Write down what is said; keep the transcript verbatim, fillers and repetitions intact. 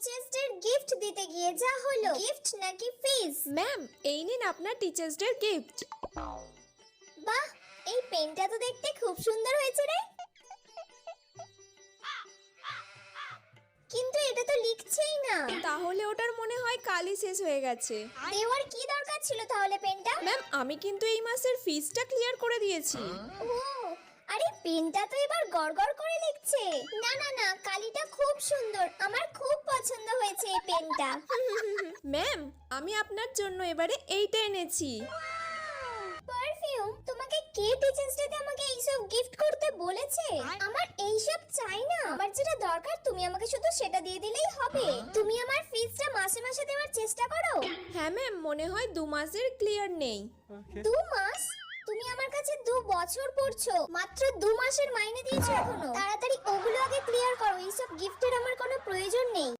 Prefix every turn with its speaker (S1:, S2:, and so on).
S1: Teachers day gift দিতে গিয়ে যা হলো, গিফট নাকি ফিস?
S2: ম্যাম, এই নিন আপনার টিচার্স ডে গিফট।
S1: বাহ, এই পেনটা তো দেখতে খুব সুন্দর হয়েছে রে, কিন্তু এটা তো লিখছেই না।
S2: তাহলে ওটার মনে হয় কালই শেষ হয়ে গেছে।
S1: দেওয়ার কি দরকার ছিল তাহলে পেনটা?
S2: ম্যাম, আমি কিন্তু এই মাসের ফিসটা ক্লিয়ার করে দিয়েছি।
S1: ও, আরে পেনটা তো এবার গড়গড় করে লিখছে। না না না, কালিটা খুব সুন্দর, আমার খুব পছন্দ হয়েছে এই পেনটা।
S2: ম্যাম, আমি আপনার জন্য এবারে এইটা এনেছি।
S1: পারফিউম? তোমাকে কে টিচার্স ডেতে আমাকে এইসব গিফট করতে বলেছে? আমার এইসব চাই না, আমার যেটা দরকার তুমি আমাকে শুধু সেটা দিয়ে দিলেই হবে। তুমি আমার ফিসটা মাসে মাসে দেওয়ার চেষ্টা করো।
S2: হ্যাঁ ম্যাম, মনে হয় দু মাসের ক্লিয়ার নেই।
S1: দু মাস? তুমি আমার কাছে দু বছর পড়ছো, মাত্র দু মাসের মাইনে দিয়েছো এখনো। তাড়াতাড়ি ওগুলো আগে ক্লিয়ার করো, এইসব গিফটের আমার কোনো প্রয়োজন নেই।